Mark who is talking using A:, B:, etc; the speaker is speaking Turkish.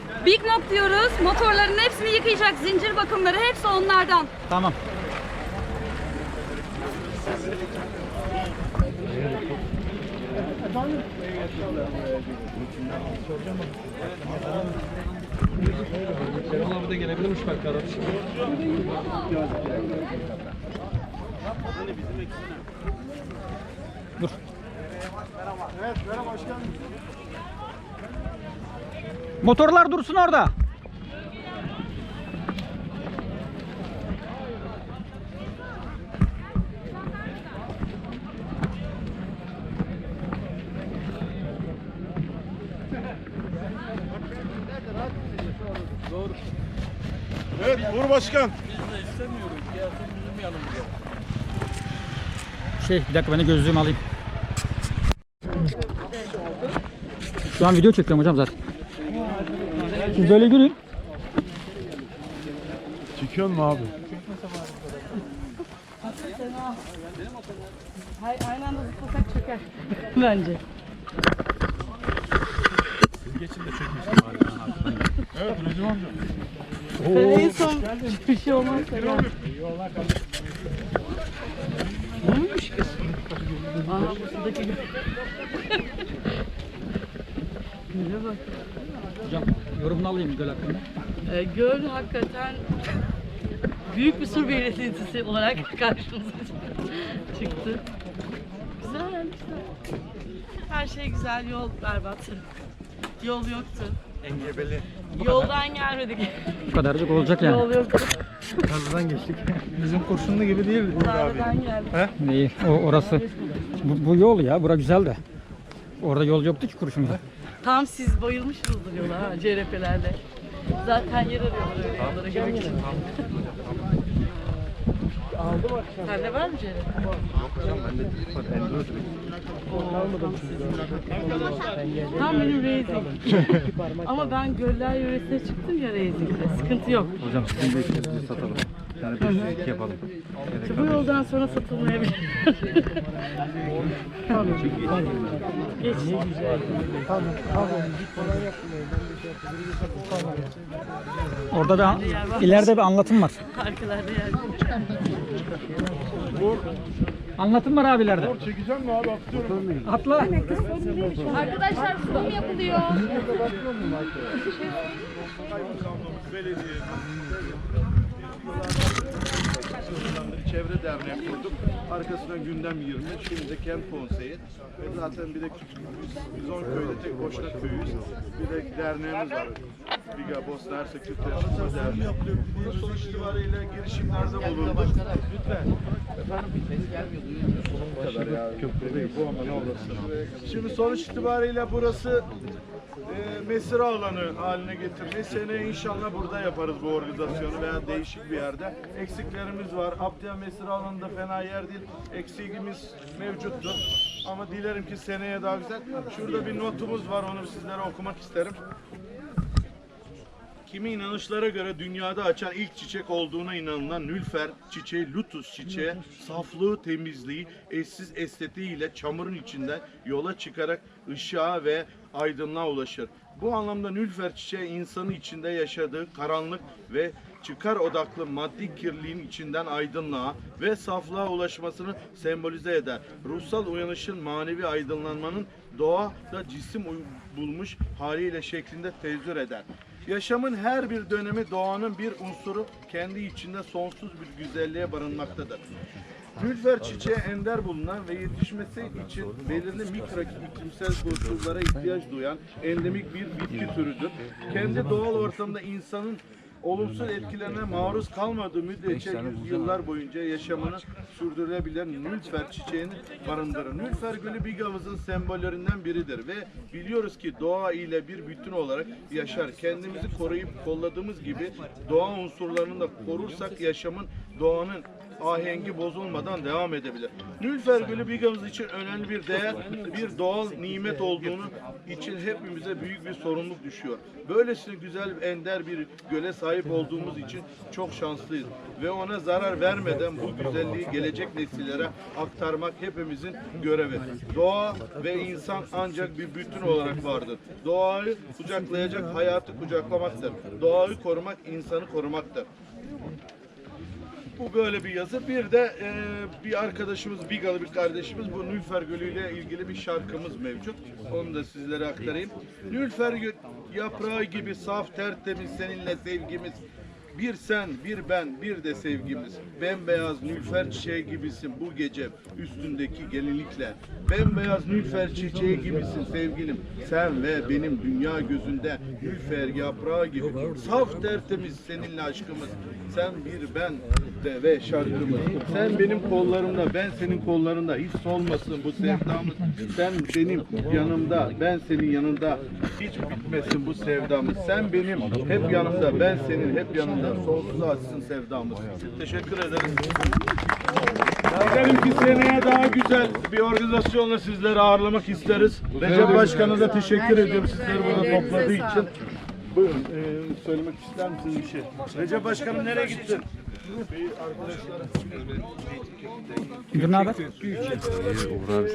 A: Big Knock diyoruz. Motorların hepsini yıkayacak. Zincir bakımları hepsi onlardan.
B: Tamam.
C: Şenol abi de gelebilirmiş belki araç.
B: Dur.
D: Evet, merhaba başkanım.
B: Motorlar dursun orada.
D: Evet, Uğur Başkan.
B: Bir dakika ben de gözlüğümü alayım. Şu an video çekiyorum hocam zaten. Siz böyle yürüyün.
D: Çekiyor mu abi?
A: Aynı anda zıplasak çöker. Bence.
D: Evet, Recep amca.
A: En son bir şey olmaz. Neymiş kız? Aha buradaki gibi. Güle bak.
B: Hocam yorumunu alayım göl hakkında.
E: Göl hakikaten büyük bir sur belirtisi olarak karşımıza çıktı. Güzel, güzel. Her şey güzel, yol berbat. Yol yoktu.
D: Engebeli.
E: Yoldan gelmedik.
B: Bu kadarcık olacak yani.
E: Yol yoktu.
D: Tarladan geçtik. Bizim kurşunlu gibi değil Uğur abi.
E: Dağdan geldik.
B: İyi, orası. Bu yol ya, bura güzel de. Orada yol yoktu ki kurşunda.
E: Tam siz bayılmışsınızdır yola ha, CRP'lerle. Zaten yer arıyorlar öyle yollara girmek için. Sende var mı CRP?
D: Yok hocam, bende Enduro.
E: Tam benim racing. Ama ben göller yöresine çıktım ya racing'de. Sıkıntı yok.
D: Hocam sizin de işlerinizi satalım. Yani bir şey yapalım.
E: İşte bu yoldan sonra satılmayabilir. Geç.
B: Orada ileride bir anlatım var.
E: Arkalarda yer.
B: Anlatım var abi ileride.
D: Çekeceğim mi abi? Atıyorum.
B: Atla.
A: Arkadaşlar sunum yapılıyor.
F: Çevre derneği kurduk. Arkasına gündem 20. Şimdi de kent konseyi. Ve zaten bir de biz 10 köyde tek Boşnak köyüyüz. Bir de derneğimiz var. Biga Bosna Hersek Türk Dayanışma Derneği. Bunun sonuç itibariyle girişimlerde bulunduk. Lütfen. Köprüdeyiz. Bu ama ne olursa. Şimdi sonuç itibariyle burası mesire alanı haline getirmeyi seneye inşallah burada yaparız bu organizasyonu veya değişik bir yerde. Eksiklerimiz var. Abdiya mesire alanında fena yer değil. Eksiğimiz mevcuttur. Ama dilerim ki seneye daha güzel. Şurada bir notumuz var. Onu sizlere okumak isterim. Kimi inanışlara göre dünyada açan ilk çiçek olduğuna inanılan nülfer çiçeği, lutus çiçeği, saflığı, temizliği, eşsiz estetiğiyle çamurun içinden yola çıkarak ışığa ve aydınlığa ulaşır. Bu anlamda nülfer çiçeği insanın içinde yaşadığı karanlık ve çıkar odaklı maddi kirliliğin içinden aydınlığa ve saflığa ulaşmasını sembolize eder. Ruhsal uyanışın, manevi aydınlanmanın doğada cisim bulmuş haliyle şeklinde tezahür eder. Yaşamın her bir dönemi doğanın bir unsuru kendi içinde sonsuz bir güzelliğe barınmaktadır. Nülfer çiçeği ender bulunan ve yetişmesi için belirli mikro iklimsel koşullara ihtiyaç duyan endemik bir bitki türüdür. Kendi doğal ortamda insanın olumsuz etkilerine maruz kalmadığı müddetçe yüzyıllar boyunca yaşamını sürdürülebilen nülfer çiçeğini barındırır. Nülfer gülü Biga'mızın sembollerinden biridir ve biliyoruz ki doğa ile bir bütün olarak yaşar. Kendimizi koruyup kolladığımız gibi doğa unsurlarını da korursak yaşamın, doğanın ahengi bozulmadan devam edebilir. Nülfer gülü Biga'mız için önemli bir değer, bir doğal nimet olduğunu için hepimize büyük bir sorumluluk düşüyor. Böylesine güzel, ender bir göle sahip sahip olduğumuz için çok şanslıyız. Ve ona zarar vermeden bu güzelliği gelecek nesillere aktarmak hepimizin görevi. Doğa ve insan ancak bir bütün olarak vardır. Doğayı kucaklayacak, hayatı kucaklamaktır. Doğayı korumak, insanı korumaktır. Bu böyle bir yazı. Bir de bir arkadaşımız, Bigalı bir kardeşimiz, bu Nülfer Gölü ile ilgili bir şarkımız mevcut. Onu da sizlere aktarayım. Nülfer yaprağı gibi saf, tertemiz seninle sevgimiz. Bir sen, bir ben, bir de sevgimiz. Bembeyaz nülfer çiçeği gibisin bu gece üstündeki gelinlikle. Bembeyaz nülfer çiçeği gibisin sevgilim. Sen ve benim dünya gözünde nülfer yaprağı gibi. Saf tertemiz seninle aşkımız. Sen bir ben de ve şarkımız. Sen benim kollarımda, ben senin kollarında. Hiç solmasın bu sevdamız. Sen benim yanımda, ben senin yanında. Hiç bitmesin bu sevdamız. Sen benim hep yanımda, ben senin hep yanında. Sonsuza açsın sevdamız. Teşekkür ederiz. Dilerim ki seneye daha güzel bir organizasyonla sizleri ağırlamak isteriz. Recep Başkan'a da teşekkür ediyorum sizleri burada topladığı için. Buyurun, söylemek ister misiniz bir şey? Recep Başkanım nereye gittin?
B: Ne haber?